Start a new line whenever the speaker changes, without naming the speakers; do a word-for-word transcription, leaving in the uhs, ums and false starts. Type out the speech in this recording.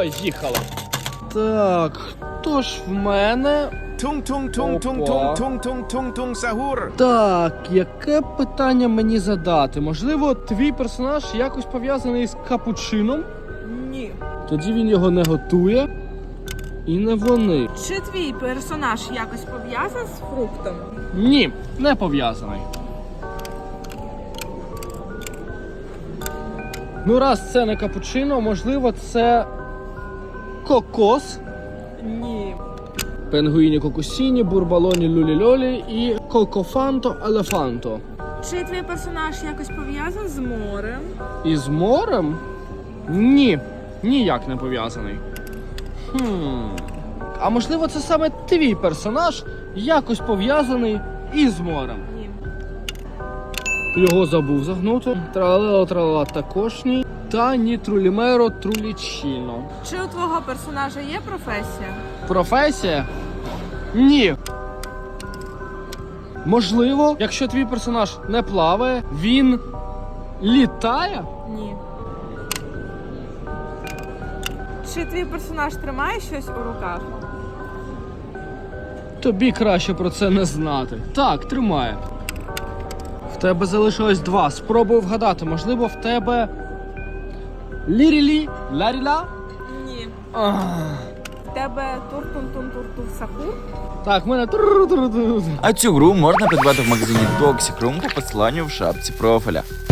Поїхали. Так, хто ж в мене?
Тунг-тунг-тунг-тунг-тунг-тунг-тунг-тунг сагур.
Так, яке питання мені задати? Можливо, твій персонаж якось пов'язаний з капучином?
Ні.
Тоді він його не готує. І не вони.
Чи твій персонаж якось пов'язаний з фруктом?
Ні, не пов'язаний. Ну, раз це не капучино, можливо, це кокос.
Ні.
Пенгуїні кокосіні, бурбалоні люлі-льолі і кокофанто елефанто.
Чи твій персонаж якось пов'язаний з морем?
І з морем? Ні, ніяк не пов'язаний. Хм. А можливо, це саме твій персонаж якось пов'язаний із морем?
Ні.
Його забув загнути. Тралело тралала також ні. Та ні трулімеро трулічіно.
Чи у твого персонажа є професія?
Професія? Ні. Можливо, якщо твій персонаж не плаває, він літає?
Ні. Чи твій персонаж тримає щось у руках?
Тобі краще про це не знати. Так, тримає. В тебе залишилось два. Спробуй вгадати. Можливо, в тебе лірілі, ларіла?
Ні.
Ах.
В тебе тур-тун-тун-тур-тур-сахур?
Так, в мене тру-тру-тру.
А цю гру можна придбати в магазині Toxic Room по посиланню в шапці профіля.